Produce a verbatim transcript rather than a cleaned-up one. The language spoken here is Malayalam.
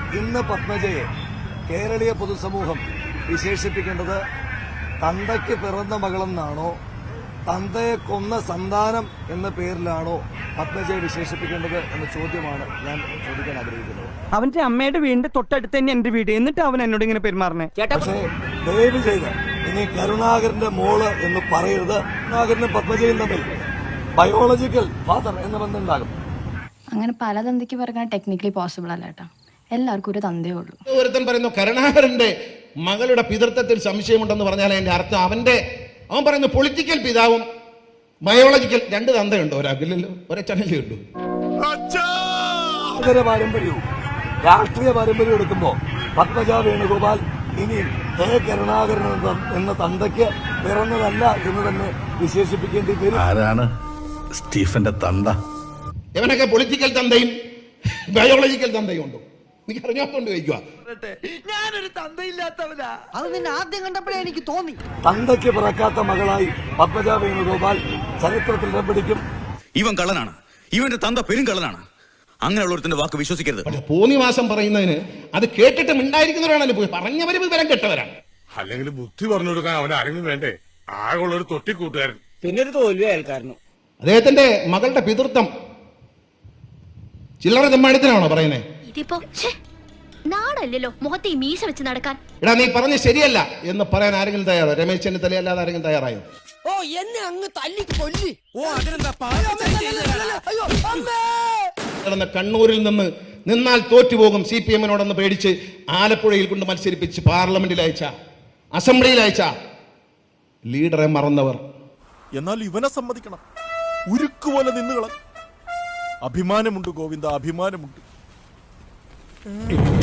ഇന്ന് പത്മജയെ കേരളീയ പൊതുസമൂഹം വിശേഷിപ്പിക്കേണ്ടത് തന്തയ്ക്ക് പിറന്ന മകളെന്നാണോ തന്തയെ കൊന്ന സന്താനം എന്ന പേരിലാണോ പത്മജയെ വിശേഷിപ്പിക്കേണ്ടത് എന്ന ചോദ്യമാണ് ഞാൻ ചോദിക്കാൻ ആഗ്രഹിക്കുന്നത്. അവന്റെ അമ്മയുടെ വീടിന്റെ തൊട്ടടുത്ത് തന്നെ എന്റെ വീട്, എന്നിട്ട് അവൻ എന്നോട് ഇങ്ങനെ പെരുമാറണേ. പക്ഷേ ദയവ് ചെയ്ത് ഇനി കരുണാകരന്റെ മോള് എന്ന് പറയരുത്. കരുണാകരനും പത്മജയും തമ്മിൽ ബയോളജിക്കൽ ഫാദർ എന്ന ബന്ധം ഉണ്ടാകും. അങ്ങനെ പല തന്തയ്ക്ക് പറയാൻ ടെക്നിക്കലി പോസിബിൾ അല്ല കേട്ടോ. എല്ലാവർക്കും ഒരു തന്തേ ഉള്ളൂ. ഒരുത്തൻ പറയുന്നു കരുണാകരന്റെ മകളുടെ പിതൃത്വത്തിൽ സംശയമുണ്ടെന്ന് പറഞ്ഞാൽ അതിന്റെ അർത്ഥം അവന്റെ അവൻ പറയുന്നു പൊളിറ്റിക്കൽ പിതാവും ബയോളജിക്കൽ രണ്ട് തന്തയുണ്ടോ? ഒരാൾക്കില്ലല്ലോ, ഒരച്ഛനല്ലേ ഉള്ളൂ. പാരമ്പര്യവും രാഷ്ട്രീയ പാരമ്പര്യം എടുക്കുമ്പോ പത്മജ വേണുഗോപാൽ ഇനി ഹേ കരുണാകരൻ എന്ന തന്തയ്ക്ക് പിറന്നതല്ല എന്ന് തന്നെ വിശേഷിപ്പിക്കേണ്ടി വരും. ആരാണ് സ്റ്റീഫന്റെ തന്ത? ഇവനൊക്കെ പൊളിറ്റിക്കൽ തന്തയും ബയോളജിക്കൽ തന്തയും ഉണ്ടോ? എനിക്ക് അറിഞ്ഞാത്തോണ്ട് ചോദിക്കുക. ഞാനൊരു തന്തയില്ലാത്തവനാ. അത് നിന്നെ ആദ്യം കണ്ടപ്പോഴേ എനിക്ക് തോന്നി. തന്തയ്ക്ക് പിറക്കാത്ത മകളായി പത്മജ വേണുഗോപാൽ ചരിത്രത്തിൽ ഇടം പിടിക്കും. ഇവൻ കള്ളനാണ്, ഇവന്റെ തന്ത പെരും കള്ളനാണ്. അങ്ങനെയുള്ളവരുടെ വാക്ക് വിശ്വസിക്കരുത്. പക്ഷെ പോന്നിമാസം പറയുന്നതിന് അത് കേട്ടിട്ട് മിണ്ടായിരിക്കുന്നവരാണല്ലോ പോയി പറഞ്ഞവരും വിവരം കെട്ടവരാണ്. അല്ലെങ്കിൽ ബുദ്ധി പറഞ്ഞു കൊടുക്കാൻ അവൻ ആരെങ്കിലും വേണ്ടേ? ആകെയുള്ളൊരു തൊട്ടിക്കൂട്ടുകാരൻ, പിന്നെ ഒരു തോൽവി അയൽക്കാരനും. അദ്ദേഹത്തിന്റെ മകളുടെ പിതൃത്വം ചില്ലറ തെമ്മാടിത്തനാണോ പറയുന്നേ? ഇതിപ്പോ നാടല്ലല്ലോ മുഖത്തെ ഈ മീശ വെച്ച് നടക്കാൻ. എടാ നീ പറഞ്ഞ ശരിയല്ല എന്ന് പറയാൻ ആരെങ്കിലും തയ്യാറോ? രമേശ് ചെന്നിത്തല അല്ലാതെ ആരെങ്കിലും തയ്യാറായോ? ഓ എന്നെ അങ്ങ് തല്ലി കൊല്ലി. ഓ നടന്ന കണ്ണൂരിൽ നിന്ന് നിന്നാൽ തോറ്റുപോകും സി പി എമ്മിനോടെന്ന് പേടിച്ച് ആലപ്പുഴയിൽ കൊണ്ട് മത്സരിപ്പിച്ച് പാർലമെന്റിൽ അയച്ച, അസംബ്ലിയിൽ അയച്ച ലീഡറെ മറന്നവർ. എന്നാൽ ഇവനെ സമ്മതിക്കണം, ഉരുക്കുപോലെ നിന്നുകള. അഭിമാനമുണ്ട് ഗോവിന്ദ, അഭിമാനമുണ്ട്.